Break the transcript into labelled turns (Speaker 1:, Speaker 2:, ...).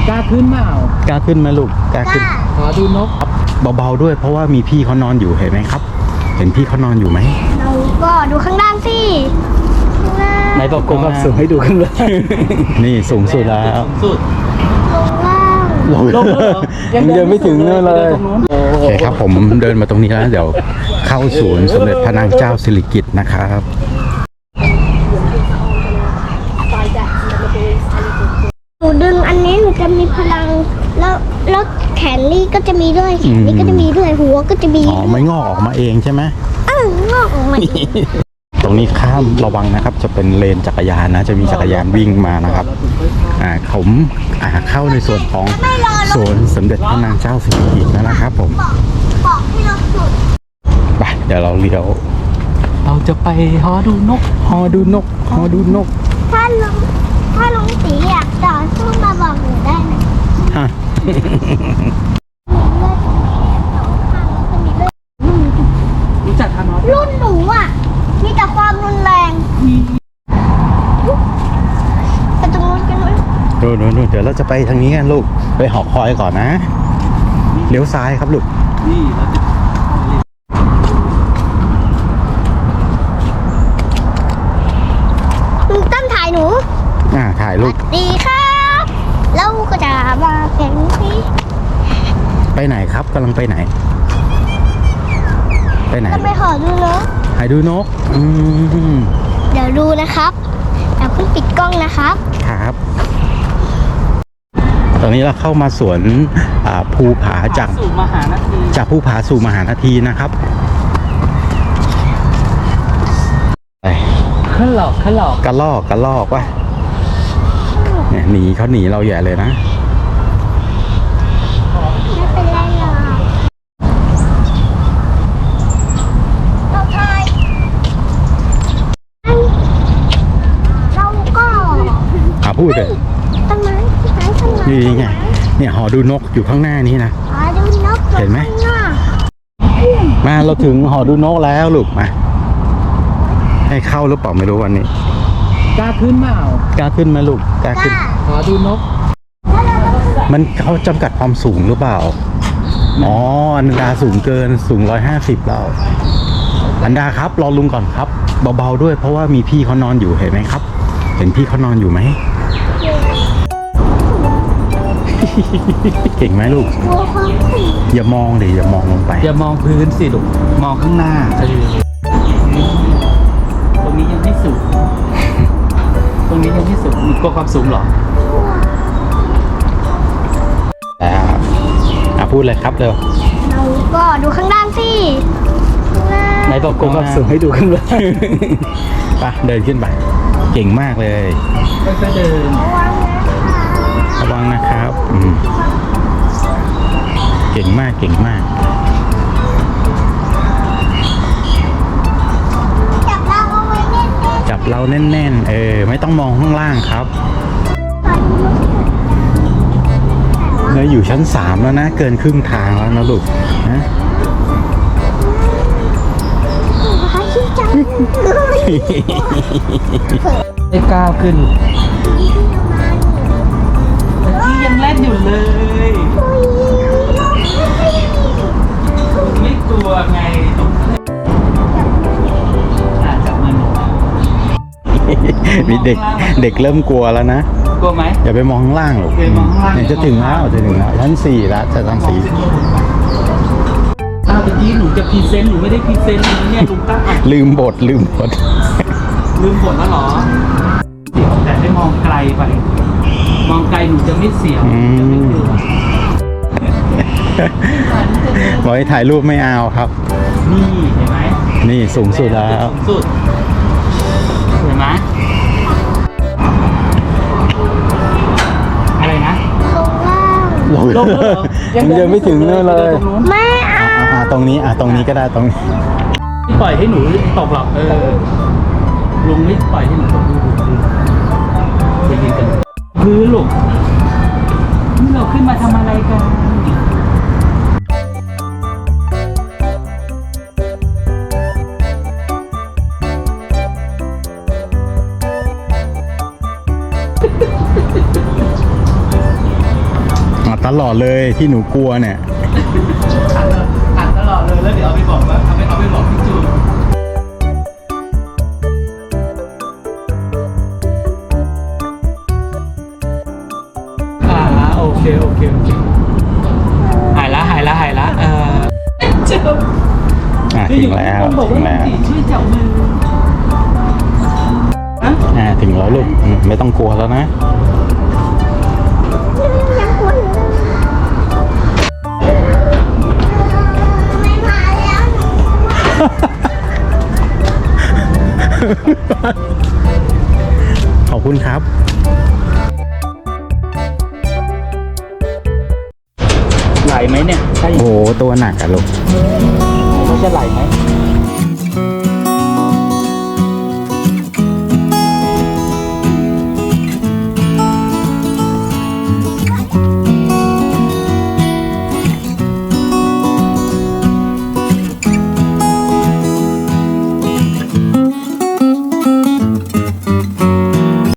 Speaker 1: กล้าขึ้นเปล่าก
Speaker 2: ล้าขึ้นไหมลูกกล้าขึ้น
Speaker 1: ขอดูนก
Speaker 2: เบาๆด้วยเพราะว่ามีพี่เขานอนอยู่เห็นไหมครับเห็นพี่เขานอนอยู่ไหม
Speaker 3: เราก็ดูข้างล่างสิ
Speaker 2: ไหนบอกก
Speaker 1: ความสูงให้ดูข้างล่าง
Speaker 2: นี่สูงสุดแล้ว
Speaker 1: สุด
Speaker 3: ลงล่าง
Speaker 1: ลงแล้วเหรอ
Speaker 2: ยังไม่ถึงเลยโอเคครับผมเดินมาตรงนี้แล้วเดี๋ยวเข้าศูนย์สมเด็จพระนางเจ้าสิริกิติ์นะครับ
Speaker 3: หนูดึงอันนี้หนูจะมีพลังแล้วแขนนี่ก็จะมีด้วยแขนนี่ก็จะมีด้วยหัวก็จะมี
Speaker 2: ไม่งอกออกมาเองใช่ไหม
Speaker 3: งอกออกมา
Speaker 2: ตรงนี้ข้ามระวังนะครับจะเป็นเลนจักรยานนะจะมีจักรยานวิ่งมานะครับผมเข้าในส่วนของสวนสมเด็จพระนางเจ้าสิริกิติ์นะครับผม
Speaker 3: บอกให้เราสุด
Speaker 2: ไปเดี๋ยวเราเลี้ยว
Speaker 1: เราจะไปหอดูนก
Speaker 2: หอดูนก
Speaker 3: ถ้าลุงตีอยากต่อสู้มาบอกหนูได้นะ
Speaker 2: ฮะ
Speaker 1: รู้จักทานอส
Speaker 3: รุ่นหนูอ่ะมีแต่ความรุนแรงไปตรงนู้นกันไหม
Speaker 2: นู่นเดี๋ยวเราจะไปทางนี้กันลูกไปหอคอยก่อนนะเลี้ยวซ้ายครับลูก
Speaker 1: นี่
Speaker 3: ลุงตั้มถ่ายหนู
Speaker 2: ถ่ายลูก
Speaker 3: ดีครับเราก็จะมาแข่งสิ
Speaker 2: ไปไหนครับกำลังไปไหน
Speaker 3: จะไปหอดูนก
Speaker 2: หาดูนก
Speaker 3: เดี๋ยวดูนะครับอย่าเพิ่งปิดกล้องนะครับ
Speaker 2: ครับตอนนี้เราเข้ามาสวนภูผาจากภูผาสู่มหานาทีนะครับ
Speaker 1: ขึ้นหลอก
Speaker 2: กระลอกว่ะเนี่ยเขาหนีเราใหญ่เลยนะ
Speaker 3: ไม่เป็นไรหรอกเราถ่ายเราก็
Speaker 2: พูดเลย
Speaker 3: ต้นไม้
Speaker 2: นี่ไงเนี่ยหอดูนกอยู่ข้างหน้านี้นะ
Speaker 3: หอดูนก
Speaker 2: เห็นไหมมาเราถึงหอดูนกแล้วลูกมาให้เข้าหรือเปล่าไม่รู้วันนี้
Speaker 1: กล้าขึ้นเปล่าก
Speaker 2: ล้าขึ้นไหมลูกกล้าขึ้น
Speaker 1: ขอดูนก
Speaker 2: มันเขาจำกัดความสูงหรือเปล่าอันดาสูงเกินสูง150แล้วอันดาครับรอลุงก่อนครับเบาๆด้วยเพราะว่ามีพี่เขานอนอยู่เห็นไหมครับเห็นพี่เขานอนอยู่ไหมเก่งไหมลูกอย่ามองเลยอย่ามองลงไป
Speaker 1: อย่ามองพื้นสิลูกมองข้างหน้าตรงนี้ยังไม่สูงมีกลัวความสูงหรอ
Speaker 2: พูดเลยครับเร็ว
Speaker 3: เราก็ดูข้างล่างสิ
Speaker 2: ไหนบอก
Speaker 1: ความสูงให้ดูข้างล่าง
Speaker 2: ไปเดินขึ้นไปเก่งมากเลย
Speaker 1: ก็เดิน
Speaker 2: ระวังนะครับเก่งมากจับเราแน่นไม่ต้องมองข้างล่างครับเราอยู่ชั้น3แล้วนะเกินครึ่งทางแล้วนะลูกนะ
Speaker 1: ได้ก้าวขึ้นที่ยังเล่นอยู่เลยไม่กลัวไงจับมือหนู
Speaker 2: มีเด็กเริ่มกลัวแล้วนะ
Speaker 1: กลัวไหม
Speaker 2: อย่าไปมองข้างล่างหรอกเนี่ยจะถึงแล้วชั้น4แล้วจะชั้น4
Speaker 1: เมื่อกี้หนูจะพรีเซนต์หนูไม่ได้พรีเซนต์เนี่ยลุงตั้ง
Speaker 2: ลืมบทแล้ว
Speaker 1: เหรอเดี๋ยวแต่ได้มองไกลไปมองไกลหนูจะไม่เสียวจะไม่กลัว
Speaker 2: บอกให้ถ่ายรูปไม่เอาครับ
Speaker 1: นี่เห็นไหม
Speaker 2: นี่สูงสุดแล้ว
Speaker 1: เห็นไหมอะไรนะ
Speaker 3: ลง
Speaker 1: แล้ว
Speaker 2: ยังไม่ถึงเลย
Speaker 3: ไม่
Speaker 2: ตรงนี้ก็ได้ตรงนี้
Speaker 1: ที่ปล่อยให้หนูตกหรอกลุงไม่ปล่อยให้หนูตกไปยืนกันพื้นลูกนี่เราขึ้นมาทำอะไรกัน
Speaker 2: ตลอดเลยที่หนูกลัวเนี่ย
Speaker 1: อ่านตลอดเลยแล้วเดี๋ยวเอาไปบอกว่าเอาไปบอกพี่จูนโอเคหายละเจ็บ
Speaker 2: ถึงแล้ว
Speaker 1: คนบอก
Speaker 2: ถึ
Speaker 1: ว่าง
Speaker 2: แล้ว
Speaker 1: จีช่วยจับมือฮะ
Speaker 2: ถึงแล้วลูกไม่ต้องกลัวแล้วนะ
Speaker 3: ยังกลัวอยู่เลยไม่มาแล้วหนู
Speaker 2: ขอบคุณครับ
Speaker 1: ไหลไหมเนี่ยใช่
Speaker 2: โอ้โหตัวหนักอะลูก
Speaker 1: มันจะไหลไหม